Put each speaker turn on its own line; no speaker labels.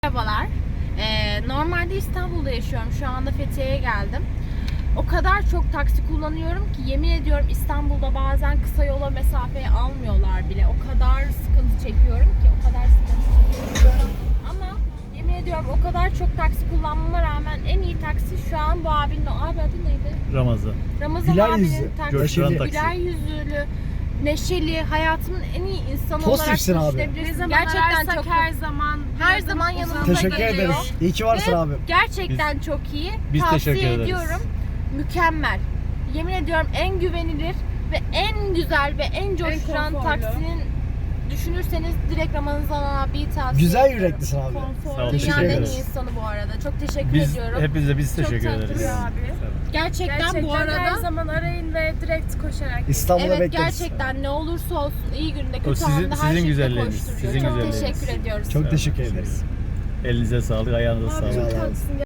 Merhabalar. Normalde İstanbul'da yaşıyorum. Şu anda Fethiye'ye geldim. O kadar çok taksi kullanıyorum ki yemin ediyorum İstanbul'da bazen kısa yola mesafeyi almıyorlar bile. O kadar sıkıntı çekiyorum ki, o kadar sıkıntı çekiyorum. Ama yemin ediyorum o kadar çok taksi kullanmama rağmen en iyi taksi şu an bu abinin, o abi adı neydi?
Ramazan.
Ramazan
Güler
abinin
yüzlü,
taksi.
coşturan taksi.
Güler yüzlü, neşeli, hayatımın en iyi insanı
Pozitifsin
olarak
abi.
düşünebilirsin.
Ne zaman
Gerçekten çok
her zaman
yanımda
Teşekkür
geliyor.
ederiz. İyi ki varsın
Ve
abi.
gerçekten çok iyi.
biz
Tavsiye
teşekkür ederiz.
ediyorum. Mükemmel. Yemin ediyorum en güvenilir ve en güzel ve en coşturan
konforlu.
taksinin düşünürseniz direkt Ramazan abiyi tavsiye
Güzel
ediyorum.
yüreklisin abi.
Sağ ol,
Dünyanın
teşekkür
en iyi
ederiz.
insanı bu arada. Çok teşekkür
Biz
ediyorum.
hepinize biz
Çok
teşekkür
tatlı
ederiz.
bir abi.
Gerçekten, bu
her
arada
zaman arayın ve direkt koşarak.
İstanbul'da
evet,
bekleriz.
gerçekten ne olursa olsun iyi günde kötü
sizin-
anda her
sizin
şekilde
güzelliğiniz,
koşturuyor.
sizin
Çok
güzelliğiniz.
teşekkür ediyoruz.
Çok teşekkür ederiz.
Elinize sağlık, ayağınıza
Abi
sağlık.
çok tatlısın.